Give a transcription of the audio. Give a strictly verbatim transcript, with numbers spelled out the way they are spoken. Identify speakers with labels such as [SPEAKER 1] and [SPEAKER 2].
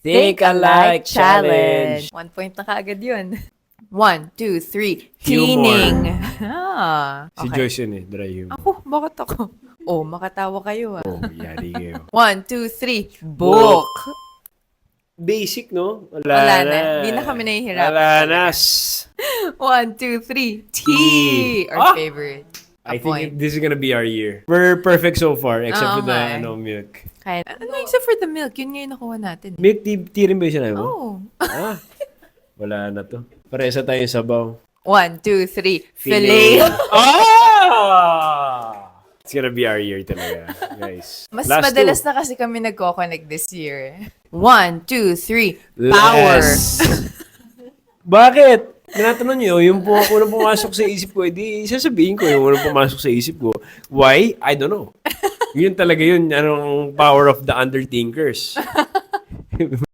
[SPEAKER 1] Think Alike Challenge.
[SPEAKER 2] One point na kaagad yun. One, two, three.
[SPEAKER 1] Humor.
[SPEAKER 2] Teening. Ah,
[SPEAKER 1] Si
[SPEAKER 2] okay.
[SPEAKER 1] Joyce yun eh, dry humor.
[SPEAKER 2] Ako, bakit ako? Oh, makatawa kayo ah.
[SPEAKER 1] Oh, yari kayo.
[SPEAKER 2] One, two, three. Book.
[SPEAKER 1] Basic, no? Wala,
[SPEAKER 2] Wala
[SPEAKER 1] na.
[SPEAKER 2] na. Hindi na kami nahihirapan
[SPEAKER 1] Wala na.
[SPEAKER 2] talaga. One, two, three. Tea.
[SPEAKER 1] Tea.
[SPEAKER 2] Our
[SPEAKER 1] Ah!
[SPEAKER 2] favorite. A
[SPEAKER 1] I think
[SPEAKER 2] point.
[SPEAKER 1] it- this is gonna be our year. We're perfect so far, except
[SPEAKER 2] Oo
[SPEAKER 1] for the
[SPEAKER 2] nga eh.
[SPEAKER 1] ano, milk.
[SPEAKER 2] Kaya, ano, except for the milk, yun nga yung nakuha natin.
[SPEAKER 1] Milk tea, tea rin ba yung sinabi mo?
[SPEAKER 2] Oh.
[SPEAKER 1] Ah, wala na to. Paresa tayong sabaw.
[SPEAKER 2] One, two, three. Filet.
[SPEAKER 1] Ah! It's gonna be our year talaga, guys.
[SPEAKER 2] Mas
[SPEAKER 1] Last
[SPEAKER 2] madalas
[SPEAKER 1] two.
[SPEAKER 2] na kasi kami nagko-connect this year. One, two, three. Power.
[SPEAKER 1] Less. Bakit? Tinatanong nyo, yung po, unang pumasok sa isip ko, edi sasabihin ko yung unang pumasok sa isip ko. Why? I don't know. Yun talaga yun, anong power of the underthinkers.